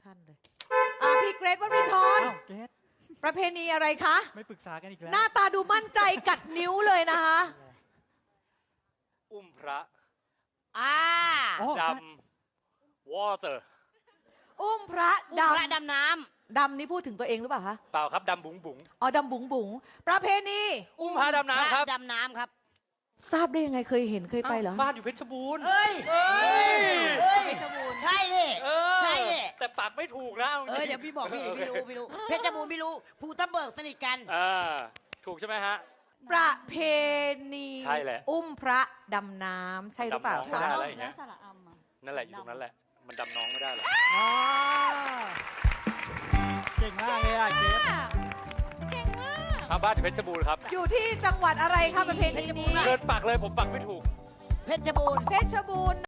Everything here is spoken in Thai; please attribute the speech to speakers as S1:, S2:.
S1: ท่านเลยพี่เกรทวรินทร์
S2: อ้าวเกรท
S1: ประเพณีอะไรคะ
S2: ไม่ปรึกษากันอีกแล้ว
S1: หน้าตาดูมั่นใจกัดนิ้วเลยนะคะ
S3: อุ้มพระ
S2: อ๋อ
S3: ดำวอเตอร์
S1: อุ้มพระ
S4: พระดำน้
S1: ดำนี่พูดถึงตัวเองหรือเปล่าคะ
S3: เปล่าครับดำบุ๋งบุ๋ง
S1: อ๋อดำบุ๋งบุ๋งประเพณี
S3: อุ้มพระดำ
S4: ำ
S3: น้ำครับ
S4: ดำน้ำครับ
S1: ทราบได้ยังไงเคยเห็นเคยไปเหรอ
S3: บ้านอยู่เพชรบูรณ์
S4: เอ้ย
S3: เอ้ย
S4: ใช่ดิ
S3: เออ
S4: ใช่ดิ
S3: แต่ปากไม่ถูกนะอาจริง
S4: เดี๋ยวพี่บอกพี่รู้เพชรบูรณ์พี่รู้ภูทับเบิกสนิทกัน
S3: ถูกใช่ไหมฮะ
S1: ประเพณี
S3: ใช่แหละ
S1: อุ้มพระดำน้ำใช่หรือเปล่า
S3: ดำน้องไม่
S1: คะ
S3: ได้อะไรอย่างเงี้ย
S5: สระอัมอ่ะ
S3: นั่นแหละอยู่ตรงนั้นแหละ มันดำน้องไม่ได้หรอก
S1: อ๋อ
S2: เก่งมากเลยอ่ะเกรท
S3: ทางบ้านอยู่เพชรบูรณ์ครับ
S1: อยู่ที่จังหวัดอะไรคะประเพณีนี้
S3: เชิญปักเลยผมปักไม่ถูก
S4: เพชรบูรณ์
S1: เพชรบูรณ์